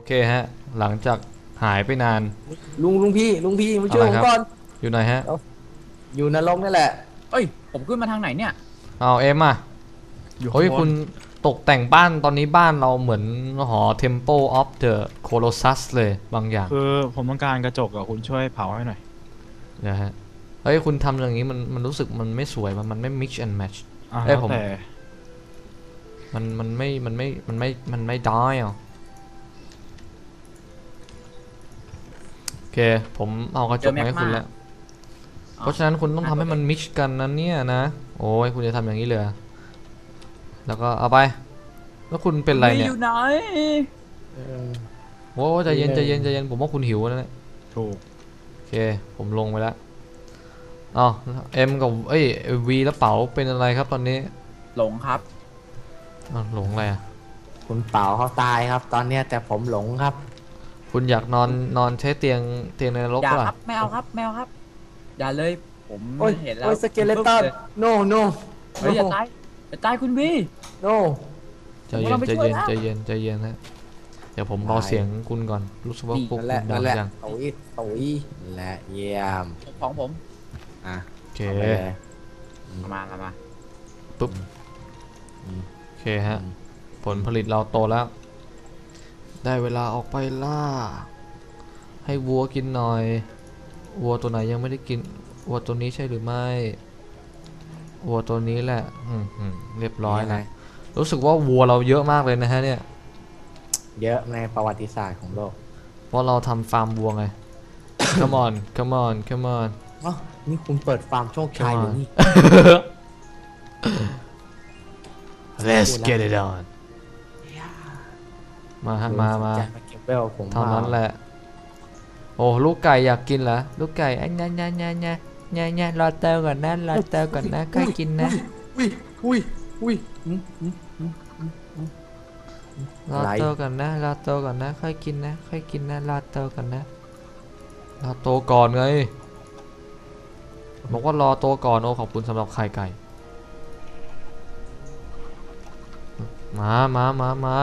เคฮะหลังจากหายไปนานลุงพี่มาช่วยผมก่อนอยู่ไหนฮะอยู่นรกนี่แหละเอ้ยผมขึ้นมาทางไหนเนี่ยเอาเอ็มอ่ะอยู่เฮ้ยคุณข้างบนตกแต่งบ้านตอนนี้บ้านเราเหมือนหอ Temple of the Colossus เลยบางอย่างคือผมต้องการกระจกอะคุณช่วยเผาให้หน่อยนะฮะเฮ้ยคุณทำอย่างนี้มันรู้สึกมันไม่สวยมันไม่ mix and match เอ้ยแล้วผมแต่มันไม่ได้อ่ะโอเคผมเอากระจกมาให้คุณแล้วเพราะฉะนั้นคุณต้องทำให้มัน mix กันนะเนี่ยนะโอ้ยคุณจะทำอย่างนี้เลยแล้วก็เอาไปแล้วคุณเป็นไรเนี่ยอยู่ไหนโอ้ใจเย็นใจเย็นใจเย็นผมว่าคุณหิวแล้วเนี่ยถูกโอเคผมลงไปแล้วอ๋อเอ็มกับวีแล้วเป๋าเป็นอะไรครับตอนนี้หลงครับหลงอะไรอ่ะคุณเป๋าเขาตายครับตอนเนี้ยแต่ผมหลงครับคุณอยากนอนใช้เตียงในนรกอย่าป่ะครับแมวครับแมวครับอย่าเลยผมเห็นแล้วโอ้ยสเกเลตันโนโนเฮ้ยอย่าตายอย่าตายคุณวีโนใจเย็นใจเย็นใจเย็นใจเย็นนะเดี๋ยวผมเบาเสียงคุณก่อนรู้สึกว่าพวกคุณดังจังตุ๋ยและเยี่ยมของผมอ่ะโอเคมาปุ๊บโอเคฮะผลผลิตเราโตแล้วได้เวลาออกไปล่าให้วัวกินหน่อยวัวตัวไหนยังไม่ได้กินวัวตัวนี้ใช่หรือไม่วัวตัวนี้แหละเรียบร้อยนะรู้สึกว่าวัวเราเยอะมากเลยนะฮะเนี่ยเยอะในประวัติศาสตร์ของโลกเพราะเราทำฟาร์มวัวไง come on come on come on อ๋อนี่คุณเปิดฟาร์มโชคชัยหรือนี่ let's get it on มาฮะมาเท่านั้นแหละโอ้ลูกไก่อยากกินเหรอลูกไก่อันเนี่ยรอเตอก่อนนะรอเตอก่อนนะค่อยกินนะอุ้ยรอโตก่อนนะรอโตก่อนนะค่อยกินนะค่อยกินนะรอโตก่อนนะรอโตก่อนไงบอกว่ารอโตก่อนโอ้ขอบคุณสำหรับไข่ไก่มา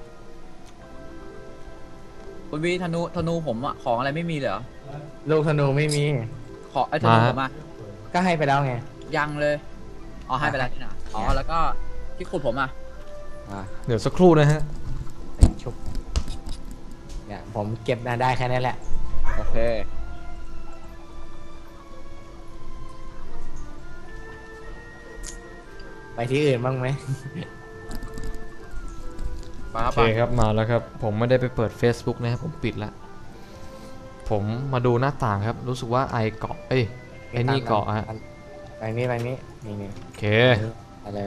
คุณวีธนูผมอะของอะไรไม่มีเหรอลูกธนูไม่มีขอไอ้ธนูผมอะก็ให้ไปแล้วไงยังเลยอ๋อให้ไปแล้วนี่นะอ๋อแล้วก็ที่ขุดผมอะเดี๋ยวสักครู่นะฮะชุบเนี่ยผมเก็บได้แค่นี้แหละโอเคไปที่อื่นบ้างไหมโอเคครับมาแล้วครับผมไม่ได้ไปเปิด Facebook นะครับผมปิดแล้วผมมาดูหน้าต่างครับรู้สึกว่าไอเกาะไอ้นี่เกาะฮะไปนี่นี่โอเคอะไร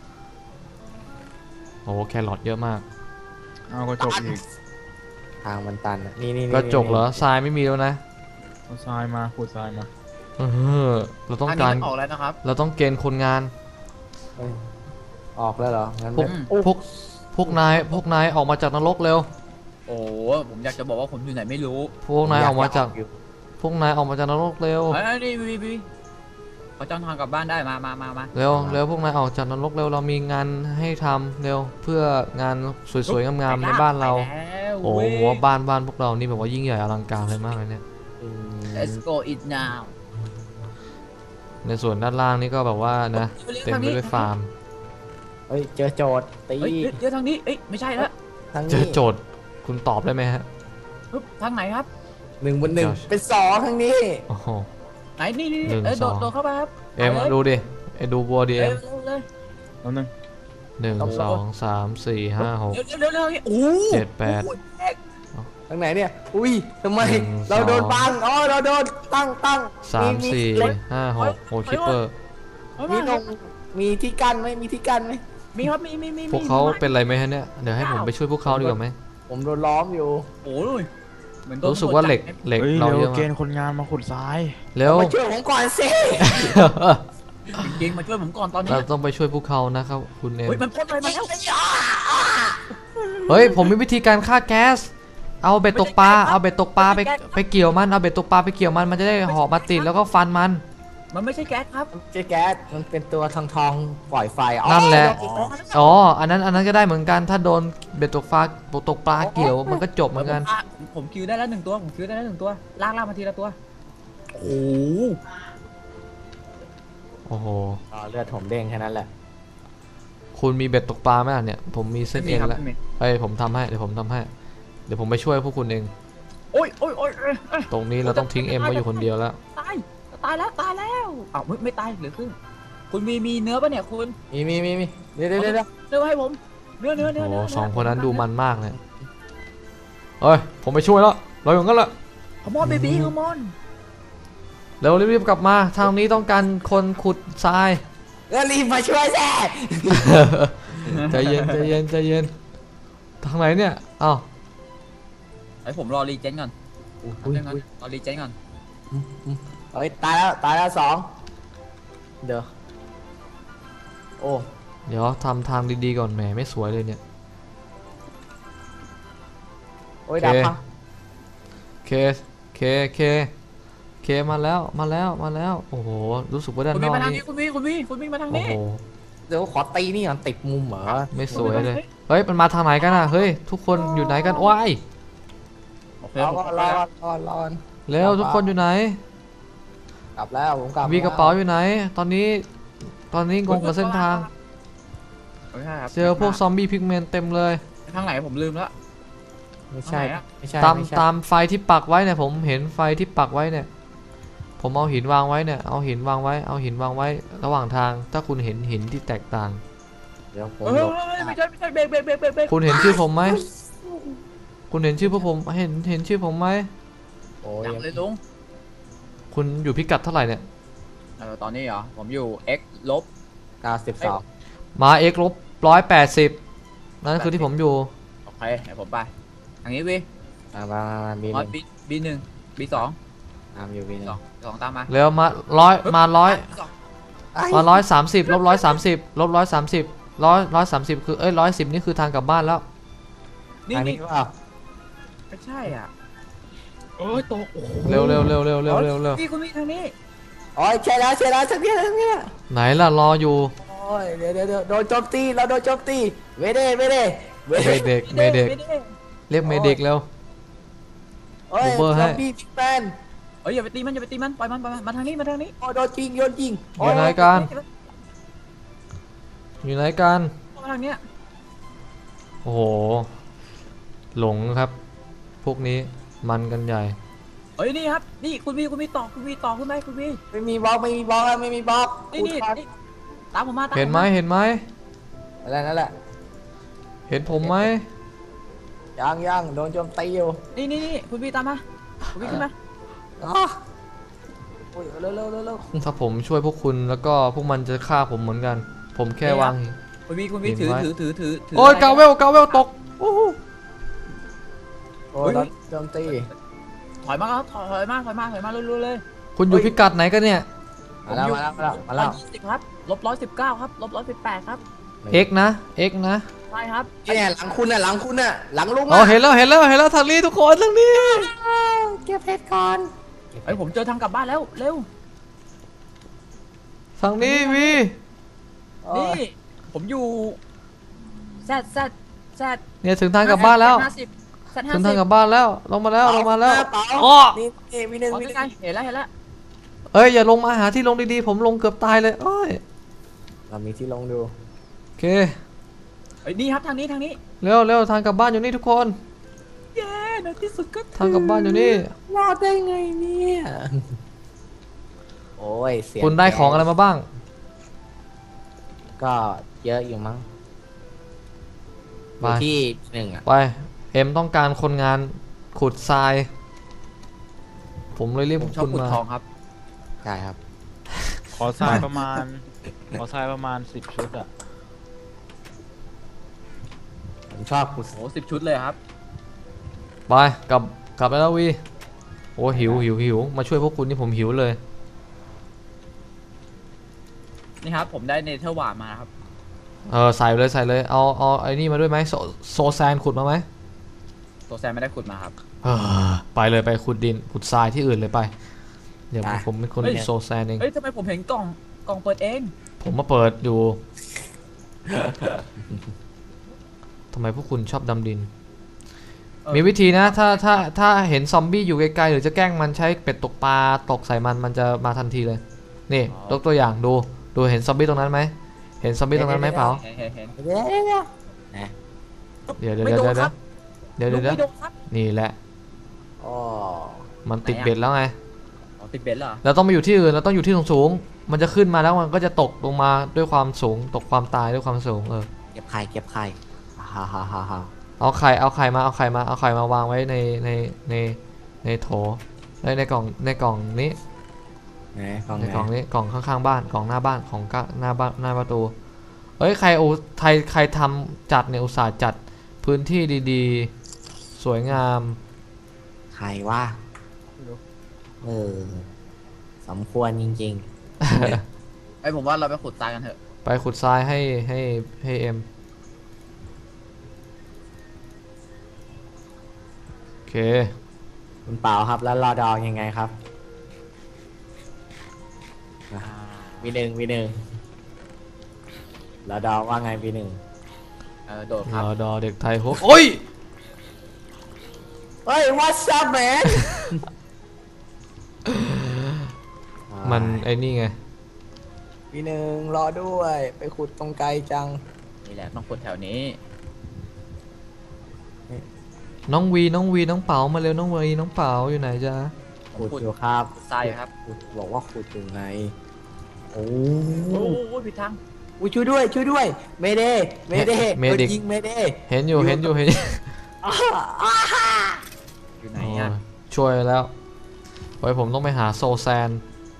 โอ้แครอทเยอะมากเอากระจกอีกทางมันตันนี่กระจกเหรอทรายไม่มีแล้วนะเอาทรายมาขุดทรายมาเราต้องการออกแล้วนะครับเราต้องเกณฑ์คนงานออกแล้วเหรองั้นพวกนายออกมาจากนรกเร็วโอ้ผมอยากจะบอกว่าผมอยู่ไหนไม่รู้พวกนายออกมาจากนรกเร็วนี่วีเขาจ้องทางกลับบ้านได้มาเร็วพวกนายออกจากนรกเร็วเรามีงานให้ทำเร็วเพื่องานสวยๆงามๆในบ้านเราโอ้โหบ้านพวกเรานี่แบบว่ายิ่งใหญ่อลังการเลยมากเลยเนี่ย Let's go it now ในส่วนด้านล่างนี่ก็แบบว่านะเต็มไปด้วยฟาร์มเฮ้ยเจอโจทย์ตีเจอทางนี้ไม่ใช่แล้วเจอโจทย์คุณตอบได้ไหมฮะทางไหนครับ 1 บน 1เป็น2ทางนี้โอ้โหไหนนี่โดดเข้าไปครับเอ็มดูดิดูบัวดิเอ็มแล้ว 1 2 3 4 5 6 7 8 ทางไหนเนี่ยอุ้ยทำไมเราโดนบังเราโดนตั้ง 3 4 5 6โอ้คิปเปอร์มีที่กั้นไหมมีที่กั้นไหมมีครับมีพวกเขาเป็นอะไรไหมฮะเนี่ยเดี๋ยวให้ผมไปช่วยพวกเขาดีกว่าไหมผมโดนล้อมอยู่โอ้ยรู้สึกว่าเหล็กเราเยอะเกณฑ์คนงานมาขุดทรายเร็วมาช่วยผมก่อนสิจริงมาช่วยผมก่อนตอนนี้เราต้องไปช่วยพวกเขานะครับคุณเอ็มมันพ่นอะไรมาแล้วเฮ้ยผมมีวิธีการฆ่าแก๊สเอาเบ็ดตกปลาไปเกี่ยวมันเอาเบ็ดตกปลาไปเกี่ยวมันจะได้หอกมาติดแล้วก็ฟันมันมันไม่ใช่แก๊สครับเจ๊แก๊สมันเป็นตัวทองปล่อยไฟอ๋อนั่นแหละโดอีกแล้วอ๋ออันนั้นก็ได้เหมือนกันถ้าโดนเบ็ดตกปลาตกปลาเกี่ยวมันก็จบเหมือนกันผมคิวได้แล้วหนึ่งตัวผมคิวได้แล้วหนึ่งตัวลากมาทีละตัวโอ้โหโอ้โหอ๋อเลือดผมเด้งแค่นั้นแหละคุณมีเบ็ดตกปลาไหมล่ะเนี่ยผมมีเส้นไม่เอมีงครับแล้วไม่มีเอ้ยผมทำให้เดี๋ยวผมทำให้เดี๋ยวผมไปช่วยพวกคุณเองโอ้ยโอ้ยโอ้ยเอ้ยตรงนี้เราต้องทิ้งเอ็มไว้อยู่คนเดียวแล้วตายตายแล้วอ้าวไม่ตายเหลือครึ่งคุณมีเนื้อปะเนี่ยคุณมีเดี๋ยวเนื้อให้ผมเนื้อโอ้โหสองคนนั้นดูมันมากเลยเอ้ยผมไปช่วยแล้วเราอย่างนั้นแหละขมอนเบบี้ขมอนเร็วรีบๆกลับมาทางนี้ต้องการคนขุดทรายแล้วรีบมาช่วยแซ่ใจเย็นใจเย็นใจเย็นทางไหนเนี่ยอ้าวไอผมรอรีเจนก่อนอุ้ยรอรีเจนก่อนเฮ้ยตายแล้วสองเดี๋ยวโอ้เดี๋ยวทำทางดีๆก่อนแหมไม่สวยเลยเนี่ยโอ้ยดับพังเคเคมาแล้วโอ้โหรู้สึกว่าด้านคุณนวิ่อง กมาทางนี่นี้คุณวิ่งมาทางโอ้นี้โหเดี๋ยวขอตีนี่ก่อนติดมุมเหรอไม่สวยเลยเฮ้ยมันมาทางไหนกันอ่ะเฮ้ยทุกคนอยู่ไหนกันว้ายโอเครอเร็วทุกคนอยู่ไหนกลับแล้วผมกลับมีกระเป๋าอยู่ไหนตอนนี้งงกับเส้นทางเจอพวกซอมบี้พิกเมนเต็มเลยทางไหนผมลืมแล้วไม่ใช่ตามไฟที่ปักไว้เนี่ยผมเห็นไฟที่ปักไว้เนี่ยผมเอาหินวางไว้เนี่ยเอาหินวางไว้ระหว่างทางถ้าคุณเห็นหินที่แตกต่างเดี๋ยวผมไม่ใช่เบรกคุณเห็นชื่อผมไหมคุณเห็นชื่อพวกผมเห็นชื่อผมไหมโอ้ยจับเลยลุงคุณอยู่พิกัดเท่าไหร่เนี่ยตอนนี้เหรอผมอยู่ x ลบ 92 มา x ลบ180นั่นคือที่ผมอยู่โอเคเดี๋ยวผมไปทางนี้วีมาบี B1 B2 ตามอยู่บีสองตามมาเร็วมา130ลบ130ลบ130คือ110นี่คือทางกลับบ้านแล้วนี่ทางนี้เปล่าไม่ใช่อ่ะโอ้ยตกโอ้โหเร็วพี่คุณมีทางนี้โอ้ยใช่แล้วสักทีไหนล่ะรออยู่โอ้ยเดี๋ยวโดนโจมตีเราโดนโจมตีเวเดเมเด็กเรียกเมเด็กเร็วโอ้ย Uber ให้ซอมบี้พิกแมนเอ้ยอย่าไปตีมันปล่อยมันมาทางนี้โอ้โดนยิงอยู่ไหนกันมาทางเนี้ยโอ้โหหลงครับพวกนี้มันกันใหญ่เอ้ยนี่ครับนี่คุณมีต่อขึ้นไหมคุณมีไม่มีบล็อกไม่มีบล็อกนี่ตามผมมาเห็นไหมนั่นแหละเห็นผมไหมยังโดนโจมตีอยู่นี่คุณมีตามมาคุณมีขึ้นมาอ๋อโอ้ยเร็วถ้าผมช่วยพวกคุณแล้วก็พวกมันจะฆ่าผมเหมือนกัน ผมแค่วางคุณมีถือโอ้ยกาเวลตกโอ้โหโอ้ยโดนโจมตีถอยมาเร็วเลยคุณอยู่พิกัดไหนกันเนี่ยมาแล้ว 120ครับลบ119ครับลบ118ครับ X นะใช่ครับเนี่ยหลังคุณน่ะหลังลุงอ๋อเห็นแล้วทางนี้ทุกคนทางนี้เก็บเพชรก่อนเฮ้ยผมเจอทางกลับบ้านแล้วเร็วทางนี้วีนี่ผมอยู่แซดเนี่ยถึงทางกลับบ้านแล้วแซดถึงทางกลับบ้านแล้วลงมาแล้วอ๋อ้อนี่มีหนึ่งเห็นแล้วเอ้ยอย่าลงมาหาที่ลงดีๆผมลงเกือบตายเลยโอ้ยเรามีที่ลงดูโอเคเฮ้ยนี่ครับทางนี้เร็วทางกลับบ้านอยู่นี่ทุกคนเย้ในที่สุดก็ทางกลับบ้านอยู่นี่รอดได้ไงเนี่ยโอ้ยเสียคุณได้ของอะไรมาบ้างก็เยอะอยู่มั้งไปที่หนึ่งอ่ะไปเอ็มต้องการคนงานขุดทราย ผมเลยเรียกผพวมกชอบคุณขุดมาทองครับใช่ครับขอทรายประมาณ 10 ชุดอะผมชอบขุดโอ้10 ชุดเลยครับไปกลับไปแล้ววีโอ้หิวมาช่วยพวกคุณนี่ผมหิวเลยนี่ครับผมได้เนเธอร์วาร์มาครับใส่เลยเอาไอ้นี่มาด้วยไหมโซแซนขุดมาไหมตัวแซมไม่ได้ขุดมาครับไปเลยไปขุดดินขุดทรายที่อื่นเลยไปเดี๋ยวผมเป็นคนโซแซนเองเฮ้ยทำไมผมเห็นกล่องเปิดเองผมมาเปิดอยู่ ทำไมพวกคุณชอบดำดิน มีวิธีนะถ้าเห็นซอมบี้อยู่ไกลๆหรือจะแกล้งมันใช้เป็ดตกปลาตกใส่มันจะมาทันทีเลย นี่ยกตัวอย่างดูเห็นซอมบี้ตรงนั้นไหมเห็นซอมบี้ตรงนั้นไหมเปล่าเห็นเดี๋ยวเดี๋ยวไม่โดนครับเดี๋ยวลุงไม่โดนครับนี่แหละอ๋อมันติดเบ็ดแล้วไงอ๋อติดเบ็ดเหรอเราต้องไปอยู่ที่อื่นเราต้องอยู่ที่สูงๆมันจะขึ้นมาแล้วมันก็จะตกลงมาด้วยความสูงตกความตายด้วยความสูงเก็บไข่ฮ่าฮ่าฮ่าฮ่าเอาไข่มาวางไว้ในโถในกล่องนี้ไหนกล่องในไหนกล่องนี้กล่องข้างๆบ้านกล่องหน้าบ้านของหน้าบ้านหน้าประตูเอ้ยใครทำจัดเนี่ยอุตส่าห์จัดพื้นที่ดีๆสวยงามไข่ว่าสมควรจริงไอยผมว่าเราไปขุดทรายกันเถอะไปขุดทรายให้เอ็มโอเคๆคุณเปล่าครับแล้วรอดองยังไงครับวีหนึ่งรอดองว่าไงวีหนึ่งโดดครับรอดอเด็กไทยโฮโอ้ยเฮ้ย what's up man มันไอ้นี่ไงวีหนึ่งรอด้วยไปขุดตรงไกลจังนี่แหละต้องขุดแถวนี้น้องวีน้องเป๋ามาเร็วน้องวีน้องเป๋าอยู่ไหนจ๊ะขุดอยู่ครับทรายครับขุดบอกว่าขุดอยู่ไงโอ้โอ้โหผิดทางยช่วยด้วยเมเดยิงเมเดเห็นอยู่อยู่ไหนโอ้อ่ะยช่วยแล้วไว้ผมต้องไปหาโซแซน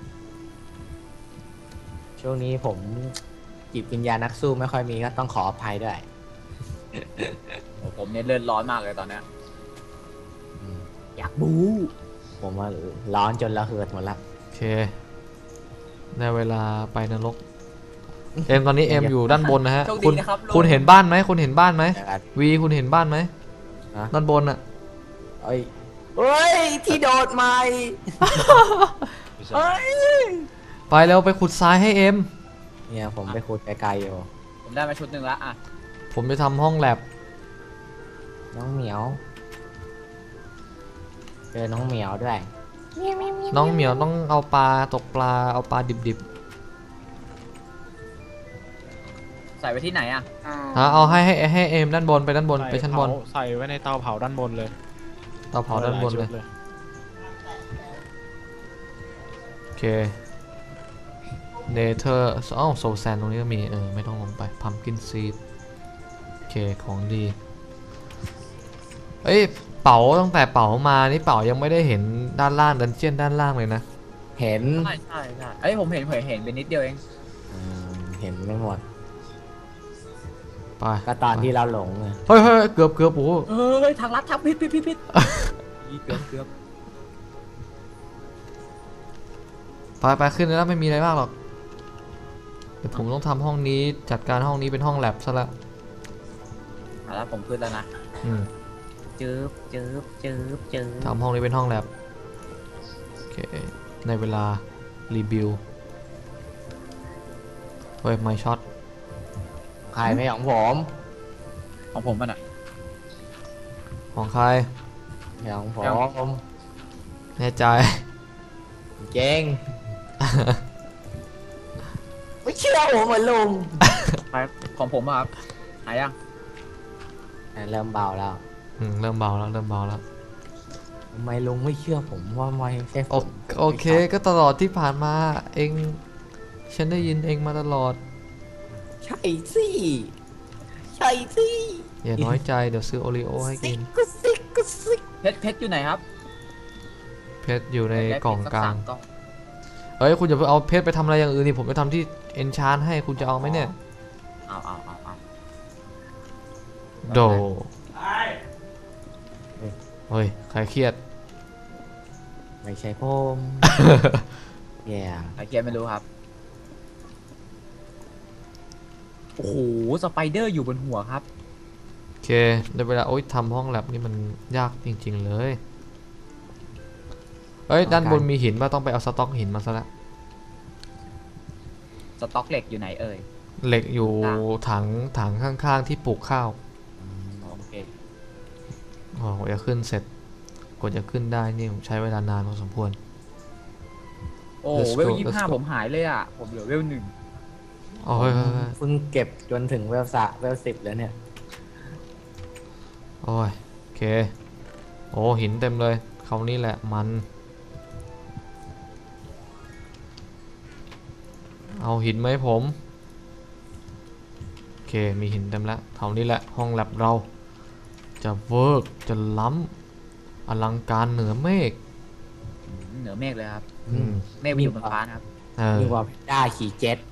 ช่วงนี้ผมจิตวิญญาณนักสู้ไม่ค่อยมีก็ต้องขออภัยด้วยโอ้ผมเนี่ยเลือดร้อนมากเลยตอนเนี้ยอยากบูผมว่าร้อนจนระเหิดหมดละโอเคได้เวลาไปนรกเอ็มตอนนี้เอ็มอยู่ด้านบนนะฮะโชคคุดีณนะครับลุงคุณเห็นบ้านไหมคุณเห็นบ้านไหมอย่างนั้นวีคุณเห็นบ้านไหมฮะด้านบนอะเอ้ยที่โดดใหม่เอ้ยไปเร็วไปขุดทรายให้เอ็มเนี่ยผมไปขุดไกลๆอยู่ผมได้มาชุดหนึ่งละอ่ะผมจะทำห้องแลบน้องเหมียวเจอน้องเหมียวด้วยน้องเหมียวต้องเอาปลาตกปลาเอาปลาดิบใส่ไว้ที่ไหนอ่ะๆเอาให้เอ็มด้านบนไปด้านบนไปชั้นบนใส่ไว้ในเตาเผาด้านบนเลยเตาเผาด้านบนเลยหชุดโอเคเนเธอร์โซแซนตรงนี้ก็มีไม่ต้องลงไปพัมกินซีดโอเคของดีเอ้ยเป๋าตั้งแต่เป๋ามานี่เป๋ายังไม่ได้เห็นด้านล่างดันเจียนด้านล่างเลยนะเห็นใช่เอ้ยผมเห็นเป็นนิดเดียวเองเห็นไม่หมดไปก็ตอนที่เราหลงไงเฮ้ยเกือบโอ้โหเฮ้ยทางลัดทับผิดเกือบไปขึ้นแล้วไม่มีอะไรมากหรอกเดี๋ยวผมต้องทำห้องนี้จัดการห้องนี้เป็นห้องแลบซะละแล้วผมขึ้นแล้วนะอืมจืบทำห้องนี้เป็นห้องแลบโอเคในเวลารีบิวเฮ้ยไม่ช็อตใครไม่ของผมของผมมันอ่ะของใครไม่ของผเอามแน่ใจเจ๊งไม่เชื่อผมเหมือนลุงไปของผมอ่ะครับหายังเริ่มเบาแล้วเริ่มเบาแล้วทำไมลุงไม่เชื่อผมว่าไม่ใช่ผมโอเคก็ตลอดที่ผ่านมาเองฉันได้ยินเองมาตลอดใช่สิใช่สิอย่าน้อยใจเดี๋ยวซื้อโอรีโอให้กินกุสิกเพชรอยู่ไหนครับเพชรอยู่ในได้กล่องเพชรกลางสั3 กล่องเฮ้ยคุณอย่าไปเอาเพชรไปทำอะไรอย่างอื่นนี่ผมไปทำที่เอนชานให้คุณจะเอาไหมเนี่ยเอาโดเฮ้ยใครเครียดไม่ใช่ผมแย่ใครเกียร์ไม่รู้ครับ โอ้โหสไปเดอร์อยู่บนหัวครับโอเคได้เวลาโอ๊ยทำห้องแลบนี่มันยากจริงๆเลยเอ้ยด้านบนมีหินป่ะต้องไปเอาสต็อกหินมาซะละสต็อกเหล็กอยู่ไหนเอ่ยเหล็กอยู่ถังข้างๆที่ปลูกข้าวโอเคอ๋อจะขึ้นเสร็จกว่าจะขึ้นได้นี่ผมใช้เวลานานพอสมควรโอ้ Let's เวล go, 25 let's go ผมหายเลยอ่ะผมเหลือเวล 1 อ๋อเฮ้ยเพิ่งเก็บจนถึงเวล10แล้วเนี่ยโอ้ยโอเคโอ้หินเต็มเลยคราวนี้แหละมันเอาหินไหมผมโอเคมีหินเต็มแล้วคราวนี้แหละห้องแลบเราจะเวิร์กจะล้ำอลังการเหนือเมฆเหนือเมฆเลยครับอืมเมฆไปอยู่บนฟ้านะครับมีกว่าเพนด้าขี่เจ็ต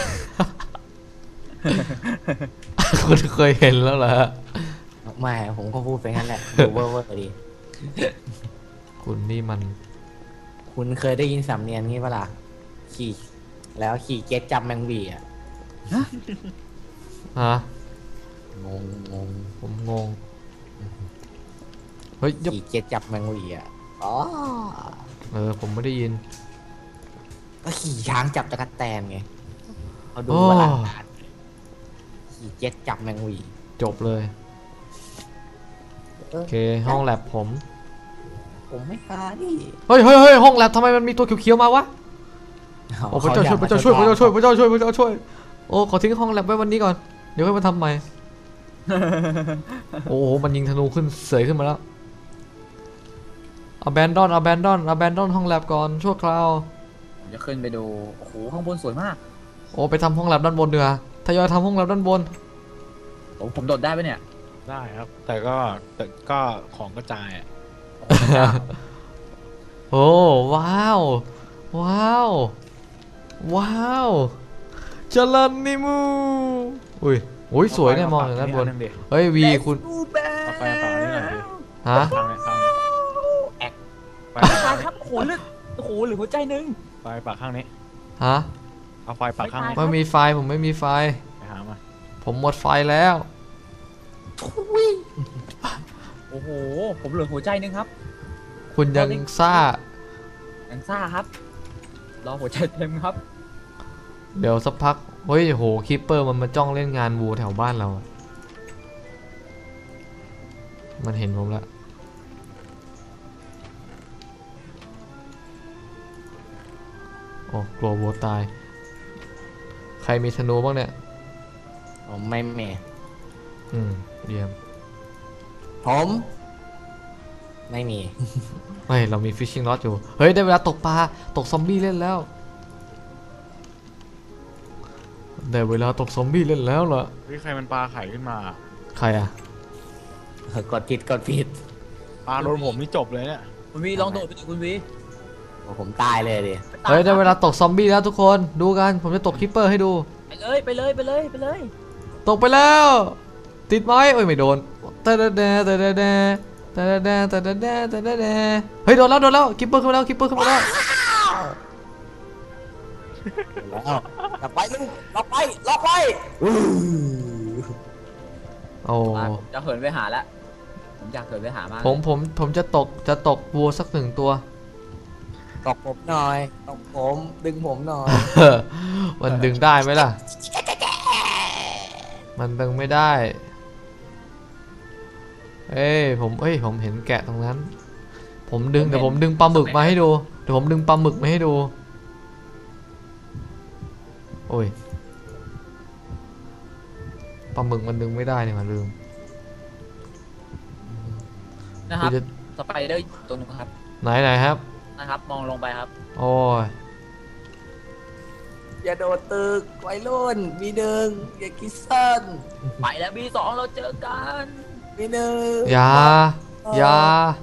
คุณเคยเห็นแล้วเหรอไม่ผมก็พูดไปงั้นแหละดูเวอร์ดีคุณนี่มันคุณเคยได้ยินสำเนียงนี้ปะล่ะขี่แล้วขี่เจ็ตจับแมงวีอ่ะฮะงงผมงงเฮ้ยยับขี่เจ็ตจับแมงวีอ่ะอ๋อผมไม่ได้ยินก็ขี่ช้างจับตะกั่แตนไงเขาดูโอ้ว่าหลังการขี่เจ็ตจับแมงวีจบเลยโอเคห้องแลบผมผมไม่กล้าดิเฮ้ยห้องแลบทำไมมันมีตัวเขียวๆมาวะโอ้พระเจ้าช่วยพระเจ้าช่วยพระเจ้าช่วยพระเจ้าช่วยพระเจ้าช่วยโอ้ขอทิ้งห้องแลบไว้วันนี้ก่อนเดี๋ยวค่อยมาทำใหม่ โอ้โหมันยิงธนูขึ้นเสยขึ้นมาแล้ว abandon ห้องแลบก่อนชั่วคราวผมจะขึ้นไปดู โอ้โห ข้างบนสวยมากโอ้ไปทำห้องแลบด้านบนเดือทยอยทำห้องแลบด้านบนผมโดดได้ปะเนี่ยได้ครับ แต่ก็ของกระจายอะโอ้ว้าวว้าวว้าวจรันนิมูอุ้ยสวยเนี่ยมองจากด้านบนเอไฟดิเฮ้ยวีคุณเอาไฟเปล่านี่หน่อยดิฮะข้างนี้ข้างนี้แอกไฟตายครับ โอ้โหเลือดโอ้โหเหลือหัวใจหนึงไฟปากข้างนี้ฮะเอาไฟปากข้างนี้ไม่มีไฟผมไม่มีไฟไปหามาผมหมดไฟแล้วโอ้โห ผมเหลือหัวใจหนึงครับคุณยังซ่ายังซ่าครับ รอหัวใจเต็มครับเดี๋ยวสักพักเฮ้ยโหคิปเปอร์มันมาจ้องเล่นงานวัวแถวบ้านเราอะมันเห็นผมแล้วโอ้กลัววัวตาย ใครมีธนูบ้างเนี่ยผมไม่แม่เยี่ยมผมไม่มีเฮ้ยเรามีฟิชชิ่ง rod อยู่ เฮ้ยได้เวลาตกปลาตกซอมบี้เล่นแล้วได้เวลาตกซอมบี้เล่นแล้วเหรอเฮ้ยใครมันปลาไข่ขึ้นมาใครอะกดผิดปลาโดนผมนี่จบเลยเนี่ยคุณวีลองโดดไปดิคุณวีโอ้ผมตายเลยดิเฮ้ยได้เวลาตกซอมบี้แล้วทุกคนดูกันผมจะตกคิปเปอร์ให้ดูไปเลยไปเลยไปเลยตกไปแล้ว ติดไม้เอ้ยไม่โดนเฮ้ยโดนแล้วคิปเปอร์ขึ้นมาแล้วคิปเปอร์ขึ้นมาแล้วแล้วกลับไปลูกล็อกไปโอ้ผมจะเหินไปหาแล้ว ผมอยากเหินไปหามากผมจะตกวัวสักหนึ่งตัวตกผมหน่อยตกผมดึงผมหน่อยมันดึงได้ไหมล่ะ มันดึงไม่ได้ผมเห็นแกะตรงนั้น ผมดึงเดี๋ยวผมดึงปลาหมึกมาให้ดูเดี๋ยวผมดึงปลาหมึกมาให้ดูโอ้ยปลาหมึกมันดึงไม่ได้เนี่ยมันลืมนะครับจะสไปเดอร์ตัวหนึงครับไหนครับนะครับ มองลงไปครับโอ้ยอย่าโดดตึกไวยรุ่นมีหนึ่งอย่าคิดสั้นไปแล้วB2เราเจอกันมีหนึ่งอย่า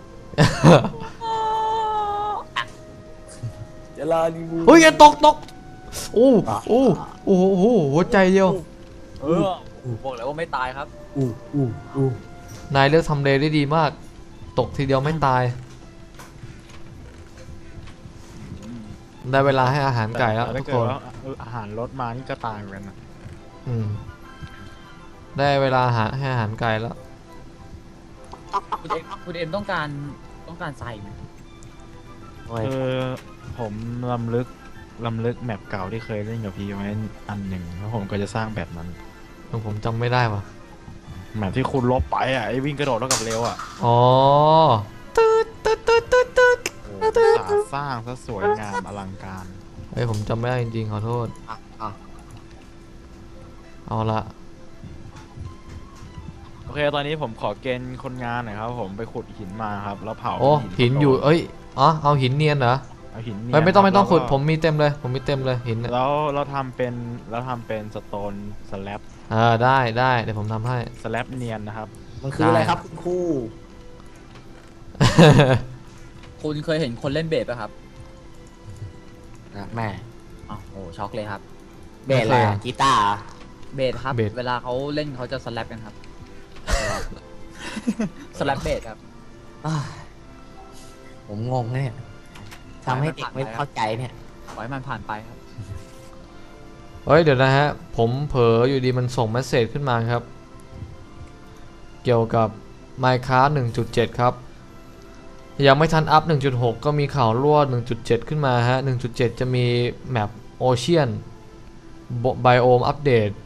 จะลาลิมูเฮ้ยอย่าตกโอ้โหหัวใจเดียวบอกเลยว่าไม่ตายครับนายเลือกทำเลได้ดีมาก ตกทีเดียวไม่ตาย ได้เวลาให้อาหารไก่แล้วต่ทุถ้าก เกิคดนว่าอาหารลดมานี่ก็ตายเหมือนกันนะได้เวลาให้อาหารไก่แล้วคุณเอ็มต้องการใส่ไหมผคือผมลำลึกแมปเก่าที่เคยเล่นกับพี่ไว้อันหนึ่งแล้วผมก็จะสร้างแบบนั้นผมจำไม่ได้ว่ะแมปที่คุณลบไปอ่ะไอ้วิ่งกระโดดแล้วกับเร็วอ่ะอ๋อตืดตืดตืดตืดตืดโอ้สร้างซะสวยงามอลังการเฮ้ยผมจำไม่ได้จริงๆขอโทษอ่ะเอาละโอเคตอนนี้ผมขอเกณฑ์คนงานหน่อยครับผมไปขุดหินมาครับแล้วเผาโอ้หินอยู่เอ้ยอ๋อเอาหินเนียนเหรอเอาหินเนียนเฮ้ยไม่ต้องครับขุดแล้วก็ผมมีเต็มเลยหินเนี่ยแล้วเราทำเป็นสโตนสแลบได้เดี๋ยวผมทำให้สแลบเนียนนะครับมันคืออะไรครับคุณครูคุณเคยเห็นคนเล่นเบสป่ะครับนะแม่อ๋อโอ้ช็อกเลยครับเบสอะไรอะกีตาร์เหรอเบสครับเบสเวลาเขาเล่นเขาจะสแลปกันครับ สแลปเบสครับอ้าวผมงงเนี่ยทำให้เด็กไม่เข้าใจเนี่ยปล่อยให้มันผ่านไปครับเฮ้ยเดี๋ยวนะฮะผมเผลออยู่ดีมันส่งเมสเซจขึ้นมาครับ เกี่ยวกับ Minecraft 1.7 ครับ ยังไม่ทันอัพ 1.6 ก็มีข่าวรั่ว 1.7 ขึ้นมาฮะ 1.7 จะมีแมปโอเชียนไบโอมอัปเดต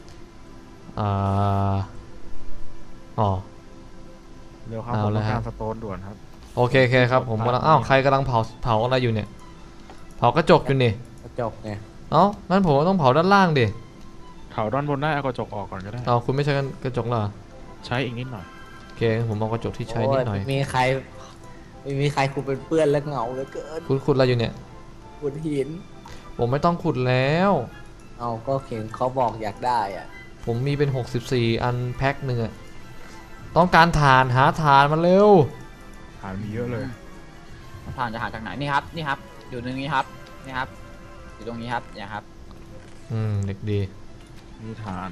อ๋อเร็วครับเอาผมละต้องฮะการสโตนด่วนครับโอเคครับผมกำลังอ้าวใครกำลังเผาอะไรอยู่เนี่ยเผากระจกอยู่นี่กระจกไงเอ้างั้นผมก็ต้องเผาด้านล่างดิเผาด้านบนได้เอากระจกออกก่อนก็ได้เอาคุณไม่ใช้กระจกเหรอใช้อีกนิดหน่อยโอเคผมเอากระจกที่ใช้นิดหน่อยโไม่มีใครคุณเป็นเพื่อนแล้วเหงาเหลือเกินคุณขุดอะไรอยู่เนี่ยขุดหินผมไม่ต้องขุดแล้วเอาก็เห็นเขาบอกอยากได้อ่ะผมมีเป็น64อันแพ็คหนึ่งอะต้องการถ่านหาถ่านมาเร็วหามีเยอะเลยผ่านจะหาจากไหนนี่ครับ นี่ครับ อยู่ตรงนี้ครับ นี่ครับ อยู่ตรงนี้ครับเนี่ยครับเด็กดีมีฐาน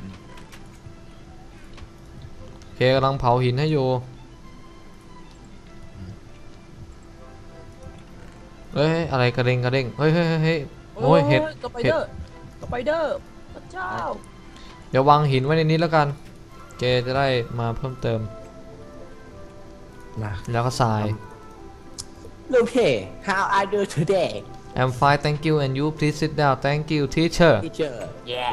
โอเคกำลังเผาหินให้อยู่เฮ้ยอะไรกระเด้งเฮ้ยโอ้ยเห็ดสไปเดอร์สไปเดอร์พระเจ้าเดี๋ยววางหินไว้ในนี้แล้วกันเจจะได้มาเพิ่มเติมมาแล้วก็ทรายลูกเพ how are you today I'm fine thank you and you please sit down thank you teacher teacher yeah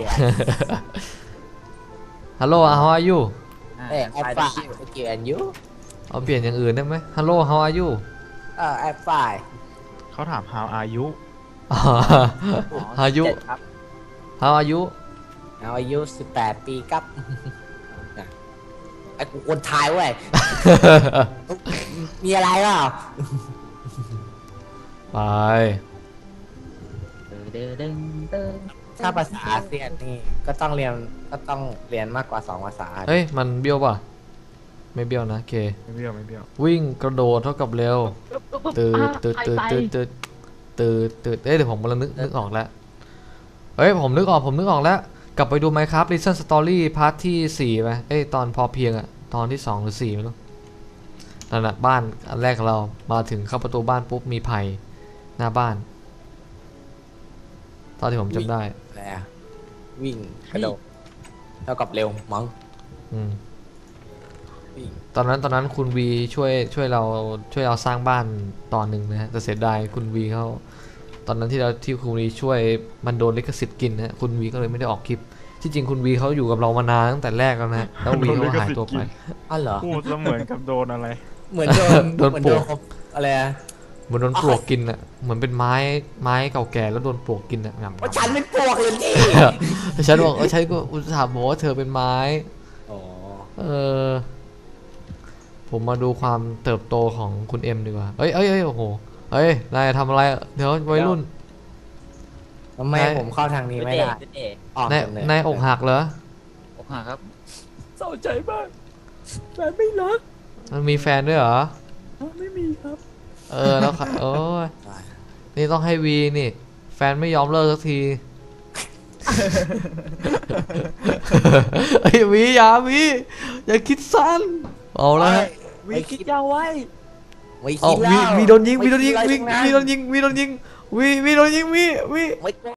Hello how are you เอ้ย I'm ไป fine thank you and you เอาเปลี่ยนอย่างอื่นได้ไหม Hello how are you I'm fine เขาถาม how are you how are you เจ็ดครับ how are you how are you 18 ปีครับน่ะไอ้กูคนไทยเว้ย มีอะไรเปล่าไปถ้าภาษาอาเซียนนี่ก็ต้องเรียนมากกว่า2ภาษาเฮ้ยมันเบี้ยวป่ะไม่เบี้ยวนะโอเคไม่เบี้ยวไม่เบี้ยววิ่งกระโดดเท่ากับเร็วตื่นเอ้ยเดี๋ยวผมกำลังนึกออกแล้วเฮ้ยผมนึกออกแล้วกลับไปดู Minecraft Recent Story พาร์ทที่4ไปเอ้ยตอนพอเพียงอะตอนที่2หรือ4ไม่รู้นั่นแหละบ้านอันแรกของเรามาถึงเข้าประตูบ้านปุ๊บมีไผ่หน้าบ้านตอนที่ผมจำได้อะไรอะวิ่งกระโดดเท่ากับเร็วมั้งอืมวิ่งตอนนั้นคุณวีช่วยเราสร้างบ้านตอนหนึ่งนะฮะแต่เสียดายคุณวีเขาตอนนั้นที่คุณวีช่วยมันโดนลิขสิทธิ์กินนะฮะคุณวีก็เลยไม่ได้ออกคลิปที่จริงคุณวีเขาอยู่กับเรามานานตั้งแต่แรกแล้วนะแล้ววีเขาหายตัวไปอ้าวเหรอพูดเสมือนกับโดนอะไรเหมือนโดนโดนปลวกอะไรอะเหมือนโดนปลวกกินอ่ะเหมือนเป็นไม้เก่าแก่แล้วโดนปลวกกินอ่ะงำว่าฉันเป็นปลวกเลยนี่ฉันบอกฉันก็อุตส่าห์บอกว่าเธอเป็นไม้อ๋อผมมาดูความเติบโตของคุณเอ็มดีกว่าเอ้ยโอ้โหเฮ้ยนายทำอะไรเดี๋ยววัยรุ่นทำไมผมเข้าทางนี้ไม่ได้ออกนายจากเลยนายอกหักเหรออกหักครับเศร้าใจมากแฟนไม่รักมันมีแฟนด้วยเหรอไม่มีครับแล้วค่ะโอ้ยนี่ต้องให้วีนี่ แฟนไม่ยอมเลิกสักที ไอ้ยวีอย่าคิดสั้นเอาละฮะวิคิดยาวไว้ไม่เอาคิดแล้ววีโดนยิงไม่คิดอะไรวีโดนยิงทั้งนั้นวีโดนยิงวีโดนยิงวีไม่